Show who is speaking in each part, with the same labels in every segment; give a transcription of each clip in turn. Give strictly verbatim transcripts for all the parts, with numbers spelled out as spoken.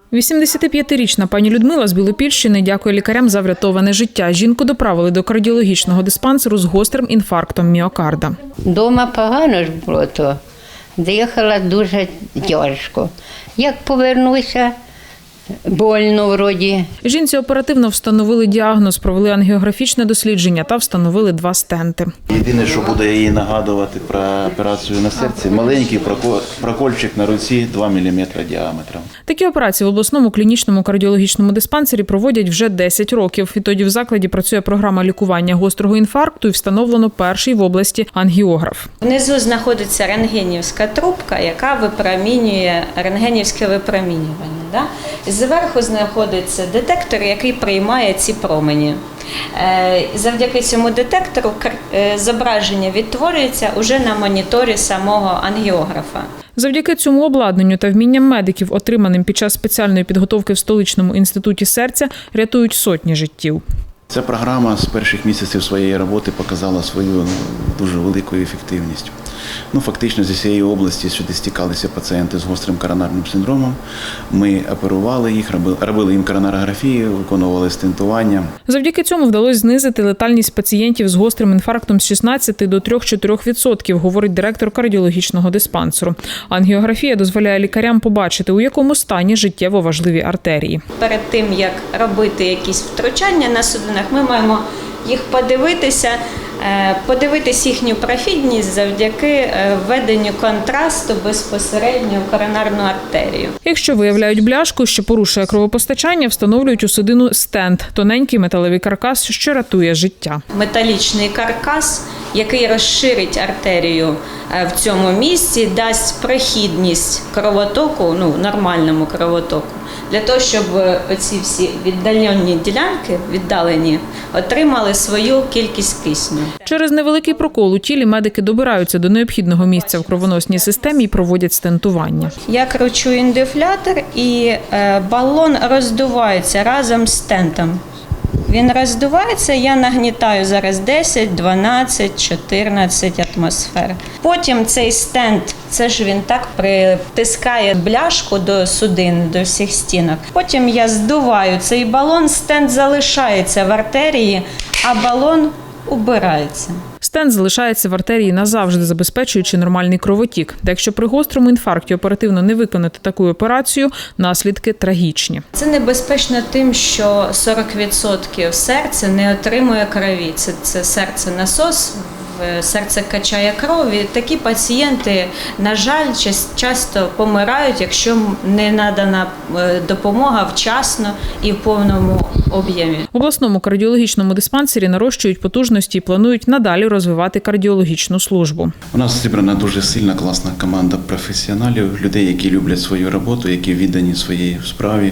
Speaker 1: вісімдесятип'ятирічна пані Людмила з Білопільщини дякує лікарям за врятоване життя. Жінку доправили до кардіологічного диспансеру з гострим інфарктом міокарда.
Speaker 2: Дома погано ж було, то дихала дуже тяжко. Як повернуся, больно вроді.
Speaker 1: Жінці оперативно встановили діагноз, провели ангіографічне дослідження та встановили два стенти.
Speaker 3: Єдине, що буде їй нагадувати про операцію на серці, маленький прокольчик на руці два міліметри діаметром.
Speaker 1: Такі операції в обласному клінічному кардіологічному диспансері проводять вже десять років. Відтоді в закладі працює програма лікування гострого інфаркту і встановлено перший в області ангіограф.
Speaker 4: Внизу знаходиться рентгенівська трубка, яка випромінює рентгенівське випромінювання. Да? Зверху знаходиться детектор, який приймає ці промені. Завдяки цьому детектору зображення відтворюється уже на моніторі самого ангіографа.
Speaker 1: Завдяки цьому обладнанню та вмінням медиків, отриманим під час спеціальної підготовки в столичному інституті серця, рятують сотні життів.
Speaker 3: Ця програма з перших місяців своєї роботи показала свою дуже велику ефективність. Ну, фактично зі всієї області сюди стікалися пацієнти з гострим коронарним синдромом. Ми оперували їх, робили їм коронарографію, виконували стентування.
Speaker 1: Завдяки цьому вдалося знизити летальність пацієнтів з гострим інфарктом з шістнадцяти до трьох-чотирьох відсотків, говорить директор кардіологічного диспансеру. Ангіографія дозволяє лікарям побачити, у якому стані життєво важливі артерії.
Speaker 4: Перед тим, як робити якісь втручання на судинах, ми маємо їх подивитися, подивитись їхню профільність завдяки введенню контрасту безпосередньо в коронарну артерію.
Speaker 1: Якщо виявляють бляшку, що порушує кровопостачання, встановлюють у судину стенд – тоненький металевий каркас, що рятує життя.
Speaker 4: Металічний каркас, який розширить артерію в цьому місці, дасть прохідність кровотоку, ну, нормальному кровотоку, для того, щоб оці всі віддалені ділянки, віддалені, отримали свою кількість кисню.
Speaker 1: Через невеликий прокол у тілі медики добираються до необхідного місця в кровоносній системі і проводять стентування.
Speaker 4: Я кручу індифлятор і балон роздувається разом з стентом. Він роздувається, я нагнітаю зараз десять, дванадцять, чотирнадцять атмосфер. Потім цей стент, це ж він так притискає бляшку до судин, до всіх стінок. Потім я здуваю цей балон, стент залишається в артерії, а балон убирається.
Speaker 1: Стент залишається в артерії назавжди, забезпечуючи нормальний кровотік. Та якщо при гострому інфаркті оперативно не виконати таку операцію, наслідки трагічні.
Speaker 4: Це небезпечно тим, що сорок відсотків серця не отримує крові. Це, це серце-насос, серце качає кров. І такі пацієнти, на жаль, часто помирають, якщо не надана допомога вчасно і в повному об'ємі.
Speaker 1: В обласному кардіологічному диспансері нарощують потужності і планують надалі розвивати кардіологічну службу.
Speaker 3: У нас зібрана дуже сильна, класна команда професіоналів, людей, які люблять свою роботу, які віддані своїй справі.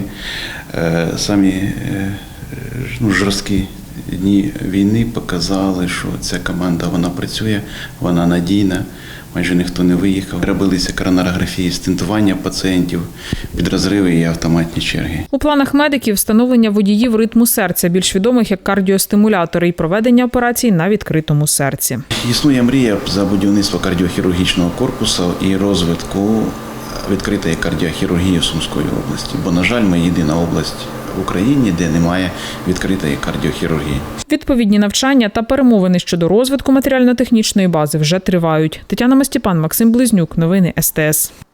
Speaker 3: Самі ну, жорсткі дні війни показали, що ця команда, вона працює, вона надійна, майже ніхто не виїхав. Робилися коронарографії, стентування пацієнтів, підрозриви і автоматні черги.
Speaker 1: У планах медиків встановлення водіїв ритму серця, більш відомих як кардіостимулятори, і проведення операцій на відкритому серці.
Speaker 3: Існує мрія за будівництво кардіохірургічного корпусу і розвитку відкритої кардіохірургії в Сумської області, бо, на жаль, ми єдина область в Україні, де немає відкритої кардіохірургії.
Speaker 1: Відповідні навчання та перемовини щодо розвитку матеріально-технічної бази вже тривають. Тетяна Мастіпан, Максим Близнюк. Новини ес те ес.